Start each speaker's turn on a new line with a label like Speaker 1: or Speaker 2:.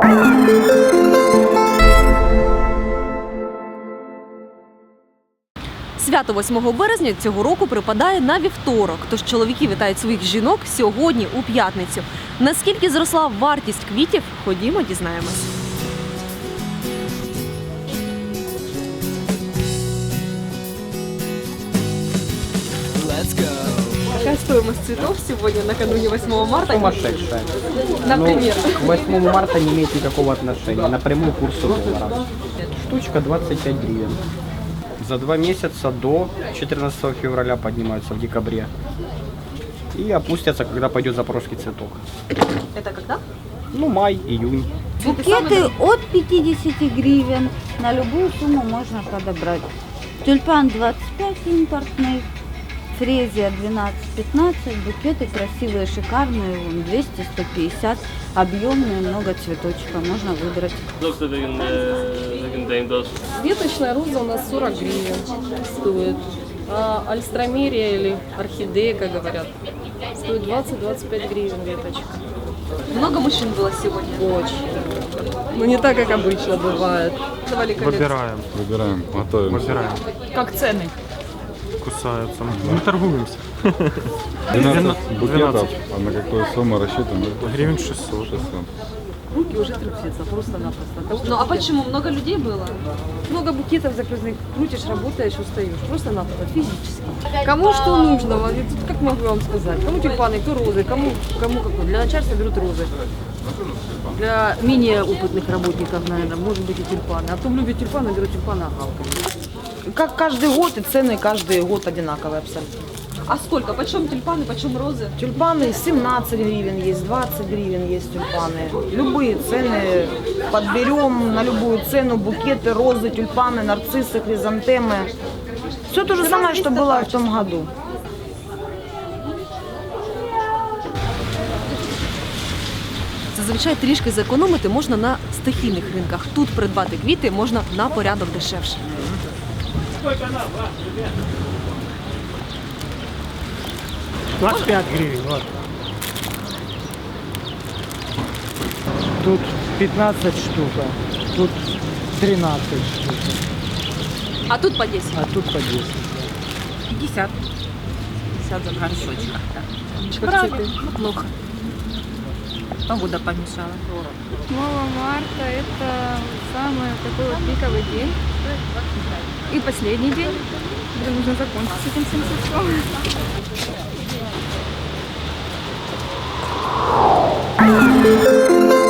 Speaker 1: Свято 8 березня цього року припадає на вівторок, тож чоловіки вітають своїх жінок сьогодні, у п'ятницю. Наскільки зросла вартість квітів, ходімо, дізнаємось. Какая стоимость цветов сегодня, накануне 8 марта?
Speaker 2: Сумасшедшая.
Speaker 1: Например?
Speaker 2: К 8 марта не имеет никакого отношения. Напрямую к курсу доллара. Штучка 25 гривен. За 2 месяца до 14 февраля поднимаются в декабре. И опустятся, когда пойдет запорожский цветок.
Speaker 1: Это когда?
Speaker 2: Ну, май, июнь.
Speaker 3: Букеты от 50 гривен. На любую сумму можно подобрать. Тюльпан 25 импортный. Фрезия 12-15, букеты красивые, шикарные, 200-150, объемные, много цветочка, можно выбрать.
Speaker 4: Веточная роза у нас 40 гривен стоит, а альстромерия или орхидея, как говорят, стоит 20-25 гривен веточка.
Speaker 1: Много мужчин было сегодня?
Speaker 4: Очень. Ну не так, как обычно бывает.
Speaker 5: Выбираем, готовим.
Speaker 4: Как цены?
Speaker 6: Кусаются. Мы торгуемся.
Speaker 5: 12 букетов, а на какую сумму рассчитан?
Speaker 6: Гривен 600.
Speaker 4: Руки уже трясутся, просто-напросто.
Speaker 1: Ну а почему? Много людей было?
Speaker 4: Много букетов закрытых, крутишь, работаешь, устаешь. Просто-напросто, физически. Кому что нужно, вот тут как могу вам сказать. Кому тюльпаны, кто розы, кому какой. Для начальства берут розы. Для менее опытных работников, наверное, может быть и тюльпаны. А кто любит тюльпаны, берут тюльпаны огалками. Как каждый год, и цены каждый год одинаковые абсолютно.
Speaker 1: А сколько? Почем тюльпаны, почем розы?
Speaker 4: Тюльпаны 17 гривен есть, 20 гривен есть тюльпаны. Любые цены подберем на любую цену. Букеты, розы, тюльпаны, нарциссы, хризантемы. Все то же самое, что было в том году.
Speaker 1: Зазвичай трішки зекономити можна на стихійних ринках. Тут придбати квіти можна на порядок дешевше.
Speaker 6: Сколько она, 25 гривен, вот.
Speaker 7: Тут 15 штук, тут 13 штук,
Speaker 1: А тут по 10?
Speaker 7: а тут по 10.
Speaker 1: 50. 50 за горшочек.
Speaker 4: Цветы.
Speaker 1: Плохо. Погода помешала.
Speaker 8: 8 марта это самый такой вот пиковый день. И последний день, где нужно закончить с этим всем существом.